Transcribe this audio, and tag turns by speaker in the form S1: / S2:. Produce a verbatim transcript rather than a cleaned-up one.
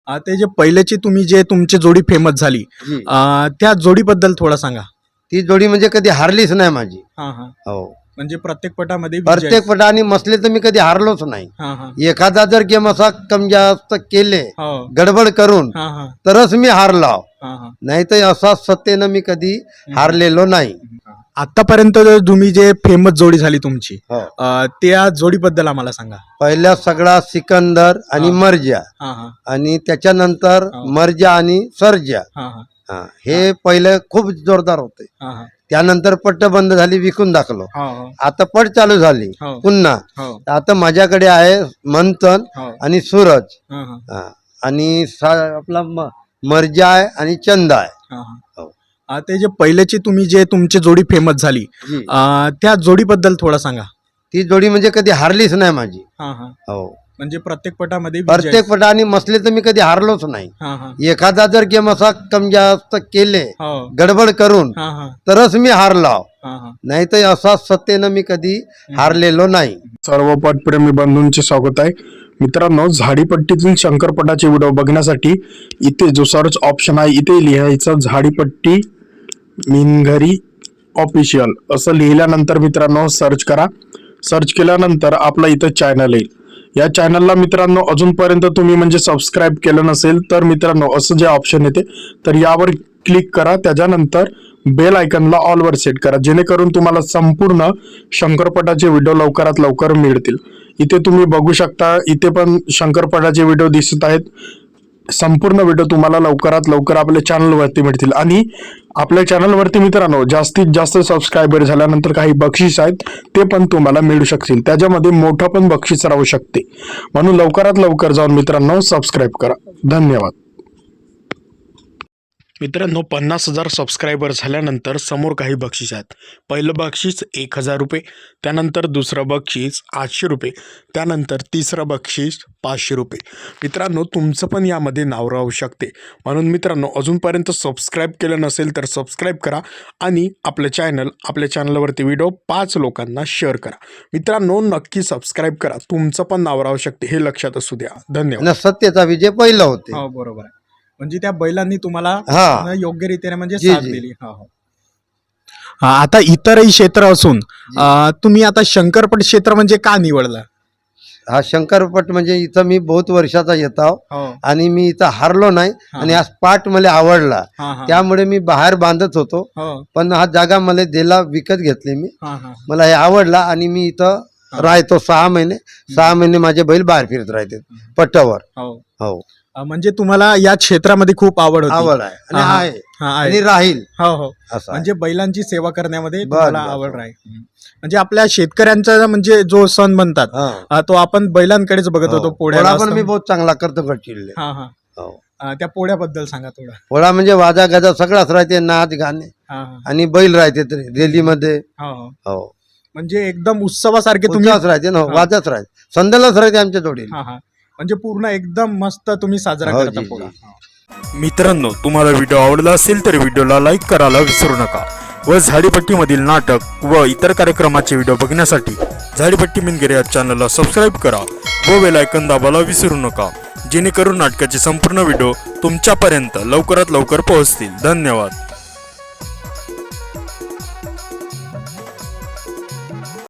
S1: अ, ते जे पहिल्याची तुम्ही जे तुमची जोडी फेमस झाली
S2: जी.
S1: अ, त्या जोडीबद्दल थोडं सांगा.
S2: ती जोडी म्हणजे कधी हारलीच नाही माझी.
S1: हां हां.
S2: हो,
S1: म्हणजे प्रत्येक पटामध्ये विजय.
S2: प्रत्येक पटाने मसले तर मी कधी हारलोच नाही.
S1: हां हां.
S2: एखादा जर गेम असा कम जास्त केले
S1: हो.
S2: गडबड करून
S1: हां हां.
S2: तरच मी हारलो,
S1: हां हां.
S2: नाही तर असा सत्तेनं मी कधी हारलेलो नाही.
S1: आतापर्यंत तुम्ही जे फेमस जोडी झाली तुमची
S2: हो.
S1: अ, त्या जोडीबद्दल आम्हाला सांगा.
S2: पहिल्या सगळा सिकंदर आणि
S1: हा.
S2: मर्जा,
S1: हां हां.
S2: आणि त्याच्यानंतर
S1: हा.
S2: मर्जा आणि सर्जा.
S1: हां हां.
S2: हा, हे पहिले खूप जोरदार होते.
S1: हां हां.
S2: त्यानंतर पट्ट बंद झाली, विकून दाखलो.
S1: हो हो.
S2: आता पट चालू झाली
S1: हो.
S2: पुन्हा.
S1: हो.
S2: आता माझ्याकडे आहे मंथन
S1: हो.
S2: आणि सूरज.
S1: हां हां.
S2: हा, आणि सा- आपला म- मर्जा आहे आणि चंदा आहे.
S1: हां हां.
S2: हो.
S1: अ, ते जे पहिल्याची तुम्ही जे तुमची जोडी फेमस झाली
S2: जी.
S1: अ, त्या जोडीबद्दल थोडं सांगा.
S2: ती जोडी म्हणजे कधी हारलीच नाही माझी.
S1: हां हां.
S2: हो,
S1: म्हणजे प्रत्येक पटामध्ये विजय.
S2: प्रत्येक पटाने मसले तर मी कधी हारलोच नाही.
S1: हां हां.
S2: एखादा जर गेम असा कम जास्त केले
S1: हो.
S2: गडबड करून
S1: हां हां.
S2: तरच मी हारलो,
S1: हां हां.
S2: नाही तर असा सत्तेनं मी कधी हारलेलो नाही.
S3: सर्व पटप्रेमी बंधूंचे स्वागत आहे. मित्रांनो, झाडीपट्टीतील शंकरपटाचे व्हिडिओ बघण्यासाठी इथे जो सर्च ऑप्शन आहे इथे लिहायचं झाडीपट्टी मिनघरी ऑफिशियल असं लिहिल्यानंतर मित्रांनो सर्च करा. सर्च केल्यानंतर आपला इथं चॅनल येईल. या चॅनलला मित्रांनो अजूनपर्यंत तुम्ही म्हणजे सबस्क्राईब केलं नसेल तर मित्रांनो असं जे ऑप्शन येते तर यावर क्लिक करा. त्याच्यानंतर बेल आयकनला ऑलवर सेट करा, जेणेकरून तुम्हाला संपूर्ण शंकरपटाचे व्हिडिओ लवकरात लवकर मिळतील. इथे तुम्ही बघू शकता, इथे पण शंकरपटाचे व्हिडिओ दिसत आहेत. संपूर्ण व्हिडिओ तुम्हाला लवकरात लवकर आपल्या चॅनलवरती मिळतील. आणि आपल्या चॅनलवरती मित्रांनो जास्तीत जास्त सबस्क्रायबर झाल्यानंतर काही बक्षीस आहेत ते पण तुम्हाला मिळू शकतील. त्याच्यामध्ये मोठं पण बक्षीस राहू शकते. म्हणून लवकरात लवकर जाऊन मित्रांनो सबस्क्राईब करा. धन्यवाद. मित्रांनो, पन्नास हजार सबस्क्रायबर झाल्यानंतर समोर काही बक्षीस आहेत. पहिलं बक्षीस एक हजार रुपये, त्यानंतर दुसरं बक्षीस आठशे रुपये, त्यानंतर तिसरं बक्षीस पाचशे रुपये. मित्रांनो, तुमचं पण यामध्ये नाव राहू शकते. म्हणून मित्रांनो, अजूनपर्यंत सबस्क्राईब केलं नसेल तर सबस्क्राईब करा आणि आपलं चॅनल आपल्या चॅनलवरती व्हिडिओ पाच लोकांना शेअर करा. मित्रांनो, नक्की सबस्क्राईब करा, तुमचं पण नाव राहू शकते, हे लक्षात असू द्या. धन्यवाद.
S2: आणि सत्तेचा विजय पहिला होते.
S1: हो बरोबर आहे. म्हणजे त्या बैलांनी तुम्हाला
S2: हा.
S1: योग्य रीतीने म्हणजे
S2: जी,
S1: साथ
S2: जी.
S1: दिली. हो हो. हा, आता इतरही क्षेत्र असून अ, तुम्ही आता शंकरपट क्षेत्र म्हणजे का निवडलं?
S2: हा शंकरपट म्हणजे इथं मी बहुत वर्षाचा येतो
S1: हो.
S2: आणि मी इथं हारलो नाही.
S1: हा.
S2: आणि हा स्पाट मला आवडला,
S1: हां हां.
S2: त्यामुळे मी बाहेर बांधत होतो.
S1: हो.
S2: पण हा जागा मला दिला, विकत घेतली मी.
S1: हां हां.
S2: मला हे आवडला आणि मी इथं राहतो सहा महिने. सहा महिने माझे बैल बाहेर फिरत राहते पट्टावर.
S1: हो.
S2: हो,
S1: अ, म्हणजे तुम्हाला या क्षेत्रामध्ये खूप आवड होती.
S2: आवड आहे आणि
S1: हा, हा.
S2: आहे
S1: हा,
S2: आणि
S1: आहे.
S2: राहील
S1: हो हो.
S2: असं
S1: म्हणजे बैलांची सेवा करण्यामध्ये
S2: बस,
S1: तुम्हाला
S2: बस.
S1: आवड आहे. म्हणजे आपल्या शेतकऱ्यांचा म्हणजे जो सण म्हणतात
S2: हा.
S1: अ, तो आपण बैलांकडेच बघत होतो.
S2: हो.
S1: पोळ्याला
S2: पोळा पण
S1: असं.
S2: मी बहुत चांगला करतो गडचिरोली.
S1: हा हा.
S2: हो,
S1: अ, त्या पोळ्याबद्दल सांगा थोडं.
S2: पोळा म्हणजे वाजा गाजा सगळाच राहते, नाच गाणे
S1: हा हा.
S2: आणि बैल राहते रेलीमध्ये.
S1: हो हो.
S2: हो,
S1: म्हणजे एकदम उत्सवासारखे तुम्ही.
S2: उत्साहच राहते ना,
S1: हा.
S2: वाजच राहते, संध्यालाच राहते आमच्या जोडीला.
S1: हा हा. म्हणजे पूर्ण एकदम मस्त तुम्ही साजरा
S2: हो,
S1: करता
S2: जी,
S1: पोळा.
S2: जी.
S4: मित्रांनो, तुम्हाला व्हिडिओ आवडला असेल तर व्हिडिओला लाईक करायला विसरू नका व झाडीपट्टीमधील नाटक व इतर कार्यक्रमाचे व्हिडिओ बघण्यासाठी झाडीपट्टी मिनगिरे या चॅनलला सबस्क्राईब करा व बेल आयकॉन दाबायला विसरू नका, जेणेकरून नाटकाचे संपूर्ण व्हिडिओ तुमच्यापर्यंत लवकरात लवकर पोहोचतील. धन्यवाद.